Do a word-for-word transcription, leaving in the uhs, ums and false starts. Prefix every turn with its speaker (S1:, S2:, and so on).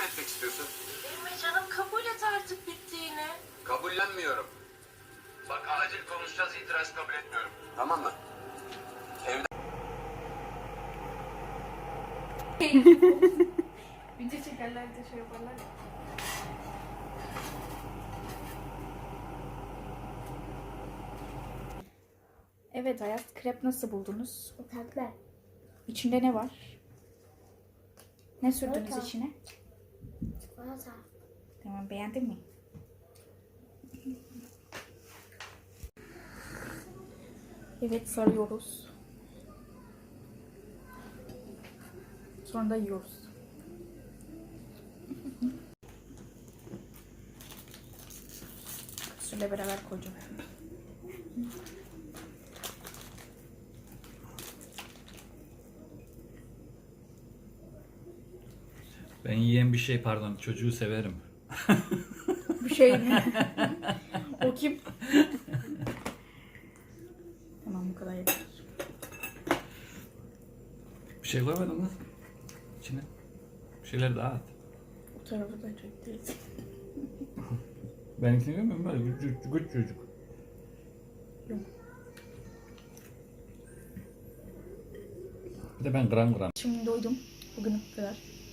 S1: etmek istiyorsun?
S2: Emre canım kabul et artık bittiğini.
S1: Kabullenmiyorum. Bak acil konuşacağız, itiraz kabul etmiyorum. Tamam mı?
S2: Video çekerler de şey yaparlar ya. Evet Ayaz, krep nasıl buldunuz?
S3: Tatlı.
S2: İçinde ne var? Ne sürdünüz
S3: Çikolata.
S2: içine?
S3: Çikolata.
S2: Tamam, beğendin mi? Evet, sarıyoruz. Sonra da yiyoruz. Şöyle beraber koyacağım.
S4: Ben yiyen bir şey pardon çocuğu severim.
S2: Bir şey mi? O kim? Tamam, bu kadar yeter.
S4: Bir şey koymadın mı? İçine. Bir şeyler daha at.
S2: Bu tarafı da çok değil.
S4: Benimkini görmüyor musun? Böyle küçük, küçük çocuk.
S2: Yok.
S4: Bir de ben gram gram.
S2: Şimdi doydum. Bugün bu kadar.